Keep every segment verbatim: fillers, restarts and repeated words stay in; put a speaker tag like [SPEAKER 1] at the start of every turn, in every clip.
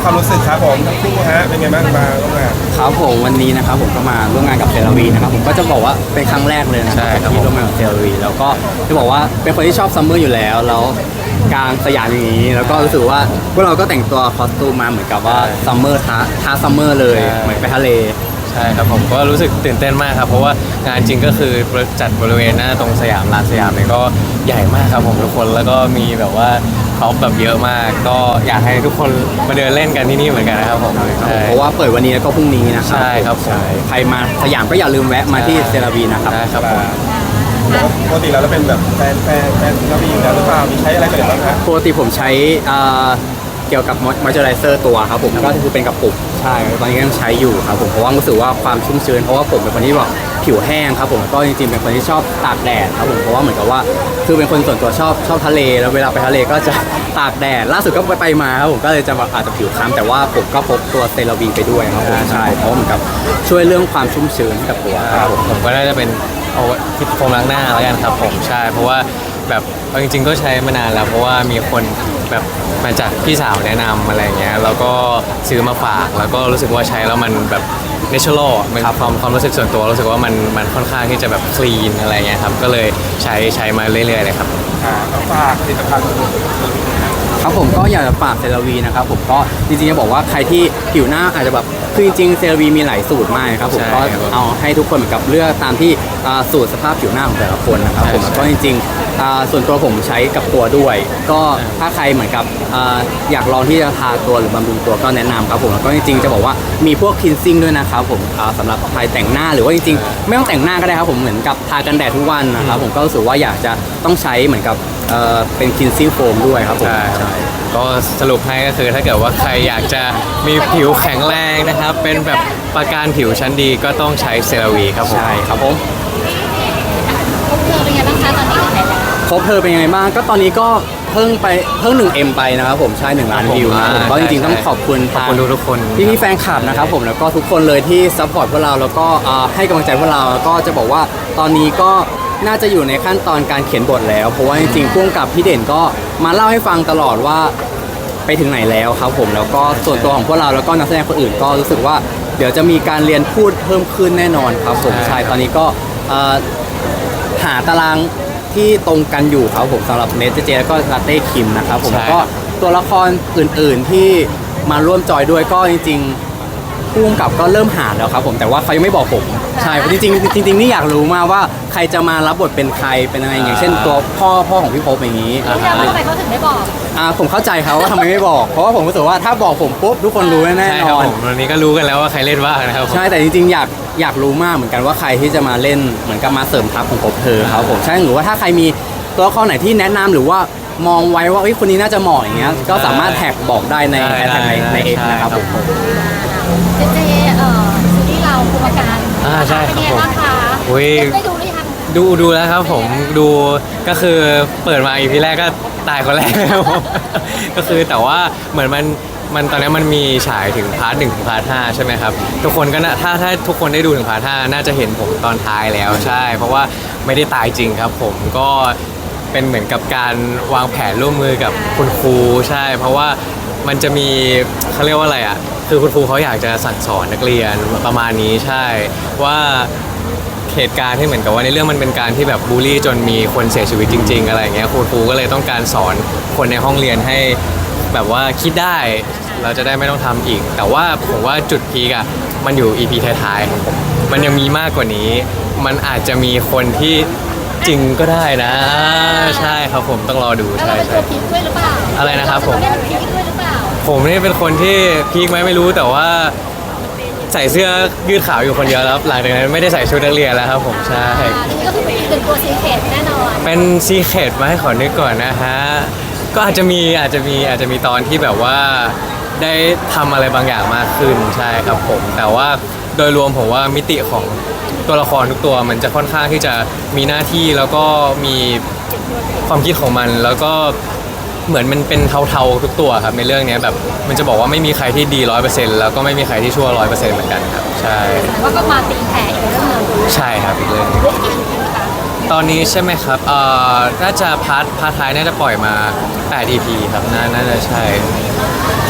[SPEAKER 1] ความรู้สึกครับผมทั้งคู่ฮะเป็นไงบ้างมาร่วมงาน
[SPEAKER 2] ครับผมวันนี้นะครับผมก็มาร่วมงานกับเซราวีนะครับผมก็จะบอกว่าเป็นครั้งแรกเลยนะค
[SPEAKER 3] ใช่
[SPEAKER 2] รับ
[SPEAKER 3] ครับ
[SPEAKER 2] ที่ร่วมงานกับเซราวีแล้วก็จะบอกว่าเป็นคนที่ชอบซัมเมอร์อยู่แล้วแล้วกลางสยามอย่างนี้ แล้วก็รู้สึกว่าพวกเราก็แต่งตัวคอสตูมมาเหมือนกับว่าซัมเมอร์ท้าท้าซัมเมอร์เลยเหมือนไปทะเล
[SPEAKER 3] ใช่ครับผมก็รู้สึกตื่นเต้นมากครับเพราะว่างานจริงก็คือจัดบริเวณหน้าตรงสยามลานสยามเนี่ยก็ใหญ่มากครับผมทุกคนแล้วก็มีแบบว่าพร็อพแบบเยอะมาก ก็อยากให้ทุกคนมาเดินเล่นกันที่นี่เหมือนกันนะครับผมใช่
[SPEAKER 2] เพราะว่าเปิดวันนี้แล้วก็พรุ่งนี้นะครั
[SPEAKER 3] ใช่ครับผม
[SPEAKER 2] ใครมาสยามก็อย่าลืมแวะมาที่เซราวีนะครับ
[SPEAKER 3] ได้ครับผม
[SPEAKER 1] ปกติเราเป็นแบบแฟนแฟนแฟนกระบี่อยู่แล้วหรือเปล่ามีใช้อะไรกันบ้างฮะ
[SPEAKER 2] ปกติผมใช้อ่าเกี่ยวกับมอยเจอไรเซอร์ตัวครับผมก็คือเป็นกระปุกใช่ตอนนี้ก็ยังใช้อยู่ครับผมเพราะว่ารู้สึกว่าความชุ่มชื้นเพราะว่าผมเป็นคนที่แบบผิวแห้งครับผมก็จริงๆเป็นคนที่ชอบตากแดดครับผมเพราะว่าเหมือนกับว่าคือเป็นคนส่วนตัวชอบชอบทะเลแล้วเวลาไปทะเลก็จะตากแดดล่าสุดก็ไปไปมาครับผมก็เลยจะแบบอาจจะผิวคล้ำแต่ว่าผมก็พกตัวเซราวีไปด้วยครับผมใช่เพราะเหมือนกับช่วยเรื่องความชุ่มชื้นให้กับตัวครับผม
[SPEAKER 3] ผมก็น่าจะเป็นเอาที่โฟมล้างหน้าแล้วกันครับผมใช่เพราะว่าแบบเอาจริงๆก็ใช้มานานแล้วเพราะว่ามีคนแบบมาจากพี่สาวแนะนำอะไรเงี้ยแล้วก็ซื้อมาฝากแล้วก็รู้สึกว่าใช้แล้วมันแบบเนเชอรัลมันความความรู้สึกส่วนตัวรู้สึกว่ามันมันค่อนข้างที่จะแบบคลีนอะไรเงี้ยครับก็เลยใช้ใช้มาเรื่อยๆเลยครับ
[SPEAKER 1] อ่าก็ฝากผลิตภัณฑ์
[SPEAKER 2] ครับผมก็อยากจะฝากเซราวีนะครับผมก็จริงๆจะบอกว่าใครที่ผิวหน้าอาจจะแบบคือจริงๆเซราวีมีหลายสูตรมากครับผมก็เอาให้ทุกคนเหมือนกับเลือกตามที่สูตรสภาพผิวหน้าของแต่ละคนนะครับผมก็จริงๆส่วนตัวผมใช้กับตัวด้วย ก็ถ้าใครเหมือนกับอยากลองที่จะทาตัวหรือบำรุงตัวก็แนะนำครับผมแล้วก็จริงๆจะบอกว่ามีพวกคลีนซิ่งด้วยนะครับผมสำหรับใครแต่งหน้าหรือว่าจริงๆไม่ต้องแต่งหน้าก็ได้ครับผมเหมือนกับทากันแดดทุกวันนะครับผมก็รู้สึกว่าอยากจะต้องใช้เหมือนกับเป็นคลีนซิ่งโฟมด้วยครับผม
[SPEAKER 3] ใช่ก็สรุปให้ก็คือถ้าเกิดว่าใครอยากจะมีผิวแข็งแรงนะครับเป็นแบบประกันผิวชั้นดีก็ต้องใช้เซราวีครับผม
[SPEAKER 2] ใช่ครับผม
[SPEAKER 4] ครบเธอเป็นไงบ้างคะตอนนี้ใครแล้ว
[SPEAKER 2] ครบเธอเป็นยังไงบ้างก็ตอนนี้ก็เพิ่งไปเพิ่งหนึ่งเอ็มไปนะครับผมใช่หนึ่งล้านวิวนะผมก็จริงๆต้องขอบคุณ
[SPEAKER 3] ขอบคุณทุกคน
[SPEAKER 2] พี่พี่แฟนคลับนะครับผมแล้วก็ทุกคนเลยที่ซัพพอร์ตพวกเราแล้วก็ให้กำลังใจพวกเราแล้วก็จะบอกว่าตอนนี้ก็น่าจะอยู่ในขั้นตอนการเขียนบทแล้วเพราะว่าจริงๆพ่วงกับพี่เด่นก็มาเล่าให้ฟังตลอดว่าไปถึงไหนแล้วครับผมแล้วก็ส่วนตัวของพวกเราแล้วก็นักแสดงคนอื่นก็รู้สึกว่าเดี๋ยวจะมีการเรียนพูดเพิ่มขึ้นแน่นอนครับผมใช่ตอนนี้ก็หาตารางที่ตรงกันอยู่ครับผมสำหรับเนทเจแล้วก็ลาเต้คิมนะครับผมก็ตัวละครอื่นๆที่มาร่วมจอยด้วยก็จริงๆผู้กำกับก็เริ่มหาแล้วครับผมแต่ว่าเขายังไม่บอกผมใช่จริงๆจริงๆนี่อยากรู้มากว่าใครจะมารับบทเป็นใครเป็นอะไรอย่างเช่นตัวพ่อพ่อของพี่พบอย่างนี้
[SPEAKER 4] รู้ยังว่าทำไมเขาถึงไม่บอก
[SPEAKER 2] อ่าผมเข้าใจเขาว่าทำไมไม่บอกเพราะว่าผมรู้สึกว่าถ้าบอกผมปุ๊บทุกคนรู้แน่นอน
[SPEAKER 3] วันนี้ก็รู้กันแล้วว่าใครเล่นบ้างนะครับ
[SPEAKER 2] ใช่แต่จริงๆอยากอยากรู้มากเหมือนกันว่าใครที่จะมาเล่นเหมือนกับมาเสริมทัพของพบเธอครับผมใช่หรือว่าถ้าใครมีตัวละครไหนที่แนะนำหรือว่ามองไว้ว่าคนนี้น่าจะเหมาะอย่างเงี้ยก็สามารถแท็กบอกได้ในแท็กในในเอ็กนะครับผม
[SPEAKER 4] เจเจเอ่อซีรีส์เราภูมิการ
[SPEAKER 3] อ่าใช่ครับผม
[SPEAKER 4] ได้ดูหรือยัง
[SPEAKER 3] ดูดูแล้วครับผมดูก็คือเปิดมาอีพีแรกก็ตายคนแรกแล้วก็คือแต่ว่าเหมือนมันมันตอนนี้มันมีฉายถึงพาร์ทหนึ่งถึงพาร์ทห้าใช่ไหมครับทุกคนก็น่าถ้าถ้าทุกคนได้ดูถึงพาร์ทห้าน่าจะเห็นผมตอนท้ายแล้วใช่เพราะว่าไม่ได้ตายจริงครับผมก็เป็นเหมือนกับการวางแผนร่วมมือกับคุณครูใช่เพราะว่ามันจะมีเขาเรียกว่าอะไรอ่ะคือคุณครูเขาอยากจะสั่งสอนนักเรียนประมาณนี้ใช่ว่าเหตุการณ์ที่เหมือนกับว่าในเรื่องมันเป็นการที่แบบบูลลี่จนมีคนเสียชีวิตจริงๆอะไรอย่างเงี้ยครูครูก็เลยต้องการสอนคนในห้องเรียนให้แบบว่าคิดได้เราจะได้ไม่ต้องทำอีกแต่ว่าผมว่าจุดพีกอะมันอยู่ อี พี ท้ายๆของผมมันยังมีมากกว่านี้มันอาจจะมีคนที่จริงก็ได้นะใช่ครับผมต้องรอดูใช่ใช่อะไรนะครับผมผมนี่เป็นคนที่พีคไหมไม่รู้แต่ว่าใส่เสื้อยืดขาวอยู่คนเดียวแล้วหลังจากนั้นไม่ได้ใส่ชุดนักเรียนแล้วครับผมใช่
[SPEAKER 4] นี่ก็คือเป็นตัวซีเคร็ตแน่นอน
[SPEAKER 3] เป็นซีเคร็ตไหมขอนึกก่อนนะฮะก็อาจจะมีอาจจะมีอาจจะมีตอนที่แบบว่าได้ทำอะไรบางอย่างมากขึ้นใช่ครับผมแต่ว่าโดยรวมผมว่ามิติของตัวละครทุกตัวมันจะค่อนข้างที่จะมีหน้าที่แล้วก็มีความคิดของมันแล้วก็เหมือนมันเป็นเทาๆทุกตัวครับในเรื่องนี้แบบมันจะบอกว่าไม่มีใครที่ดีร้อยเปอร์เซ็นต์แล้วก็ไม่มีใครที่ชั่วร้อยเปอร์เซ็นต์เหมือนกันครับใช่
[SPEAKER 4] แต่ว่าก็มาตีแผ่อีกเรื่องนึง
[SPEAKER 3] ใช่ครับอีกเรื่องนึงตอนนี้ใช่ไหมครับเอ่อน่าจะพาร์ทพาร์ทท้ายน่าจะปล่อยมาแปด อี พี ครับน่าน่าจะใช่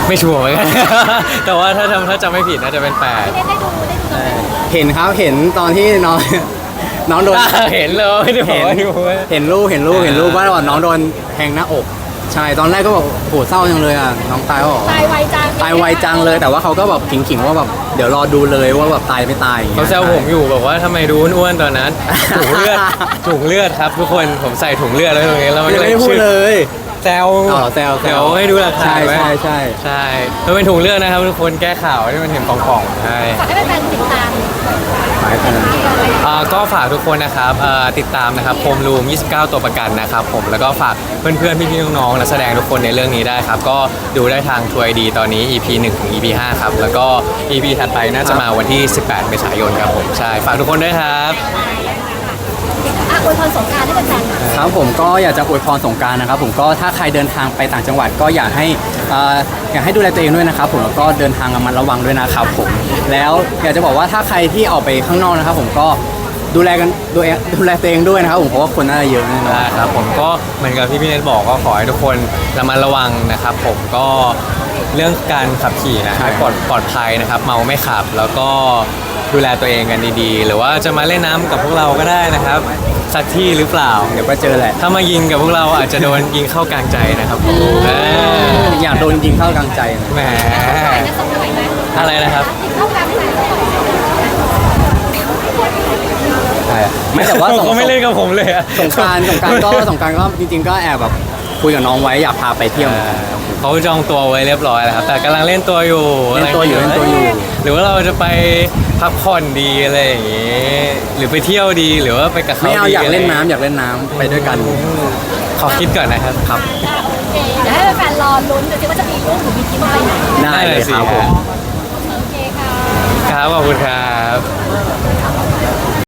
[SPEAKER 3] ไม่ชัวร์เหมือนกัน แต่ว่าถ้าจำถ้าจำไม่ผิดน่าจะเป็นแปด
[SPEAKER 4] ได้ได้ดูได้ดูกันไหม
[SPEAKER 2] เห็นครับเห็นตอนที่น้อง น้องโดน
[SPEAKER 3] เห็นเลยไม่ได้บอกว่าดู
[SPEAKER 2] เห็นรูปเห็นรูปเห็นรูปว่าน้องโดนแทงหน้าอก ใช่ตอนแรกก็แบบโหเศร้าจังเลยอ่ะน้องตายก็บอก
[SPEAKER 4] ตายไวจัง
[SPEAKER 2] ตายไวจังเลยแต่ว่าเขาก็แบบขิงๆว่าแบบเดี๋ยวรอดูเลยว่าแบบตายไม่ตายอย่างงี้ย
[SPEAKER 3] เขาแซวผมอยู่บอกว่าทำไมดูอ้วนๆตอนนั้น ถุงเลือดถุงเลือดครับทุกคนผมใส่ถุงเลือดไว้ตรงนี้แล้วมัน
[SPEAKER 2] ยั
[SPEAKER 3] ก็
[SPEAKER 2] ง
[SPEAKER 3] เล
[SPEAKER 2] ไม่
[SPEAKER 3] ย
[SPEAKER 2] ได้พูด
[SPEAKER 3] ชื่อ
[SPEAKER 2] เลย
[SPEAKER 3] แซว
[SPEAKER 2] อ๋อแซวแซว
[SPEAKER 3] เดี๋ยวให้ดูหลักฐาน
[SPEAKER 2] ใช่
[SPEAKER 3] ไว้
[SPEAKER 2] ใช่ใช่
[SPEAKER 3] ใช่มันเป็นถุงเลือดนะครับทุกคนแก้ข่าวที่มันเห็นป่องๆใช่
[SPEAKER 4] ฝากให้แฟนๆติดตาม
[SPEAKER 2] หมายถึง
[SPEAKER 3] อ่าก็ฝากทุกคนนะครับเอ่อติดตามนะครับโฮมรูมยี่สิบเก้าตัวประกันนะครับผมแล้วก็ฝากเพื่อนๆพี่ๆน้องๆนักแสดงทุกคนในเรื่องนี้ได้ครับก็ดูได้ทางทัวร์ไอดีตอนนี้ อี พี หนึ่งถึง อี พี ห้าครับแล้วก็ อี พี ถัดไปน่าจะมาวันที่ สิบแปด เมษายนครับผมใช่ฝากทุกคนด้วยครับ
[SPEAKER 4] อ่ะอวยพรสงกรานต์ให้แฟนๆหน่อย
[SPEAKER 2] ครับผมก็อยากจะอวยพรสงกรารนะครับผมก็ถ้าใครเดินทางไปต่างจังหวัดก็อยากให้เอ่ออยากให้ดูแลตัวเองด้วยนะครับผมแล้วก็เดินทางระมัดระวังด้วยนะครับผมแล้วอยากจะบอกว่าถ้าใครที่ออกไปข้างนอกนะครับผมก็ดูแลกันดูแลดูแลตัวเองด้วยนะครับผมเพราะว่าคนน่าจะเยอะแน่นอน
[SPEAKER 3] ได้ครับผมก็เหมือนกับที่พี่เนทบอกก็ขอให้ทุกคนระมัดระวังนะครับผมก็เรื่องการขับขี่นะให้ปลอดปลอดภัยนะครับเมาไม่ขับ แล้วก็ดูแลตัวเองกันดีๆ หรือว่าจะมาเล่นน้ำกับพวกเราก็ได้นะครับสักที่หรือเปล่า
[SPEAKER 2] เดี๋ยวก็เจอแหละ
[SPEAKER 3] ถ้ามายิงกับพวกเราอาจจะโดนยิงเข้ากลางใจนะครับผมเออ
[SPEAKER 2] อยากโดนยิงเข้ากลางใจนะ
[SPEAKER 3] แหม
[SPEAKER 4] ไหนนะส่งไหนไหม
[SPEAKER 3] อะไรนะครับ
[SPEAKER 4] ติดเข้ากลางไหน
[SPEAKER 2] ใช่ไม่แต่ว่าสง
[SPEAKER 3] ก็ไม่เล่นกับผมเลยอะ
[SPEAKER 2] สงกรารสงกรารก็สงกรารก็จริงๆก็แอบแบบคุยกับน้องไว้อยากพาไปเที่ยว
[SPEAKER 3] เออเขาจองตัวไว้เรียบร้อยแล้วครับแต่กำลังเล่นตัวอยู่
[SPEAKER 2] เล่นตัวอยู่เล่นตัวอยู่
[SPEAKER 3] หรือว่าเราจะไปพักผ่อนดีอะไรอย่างงี้หรือไปเที่ยวดีหรือว่าไปกับเขา
[SPEAKER 2] ไม่เอา
[SPEAKER 3] ดี
[SPEAKER 2] อยากเล่น
[SPEAKER 3] ะไร
[SPEAKER 2] น้ำอยากเล่นน้ำไปด้วยกัน
[SPEAKER 3] ขอคิดก่อนนะครับครับ
[SPEAKER 4] โอเคเดี๋ยวให้แฟนๆรอลุ้นดูสิว่าจะมีรูปหรือมีคลิปอะไรไหน
[SPEAKER 2] ได้เลยครับผม
[SPEAKER 4] โอเคค่ะ
[SPEAKER 3] ครับขอบคุณครับ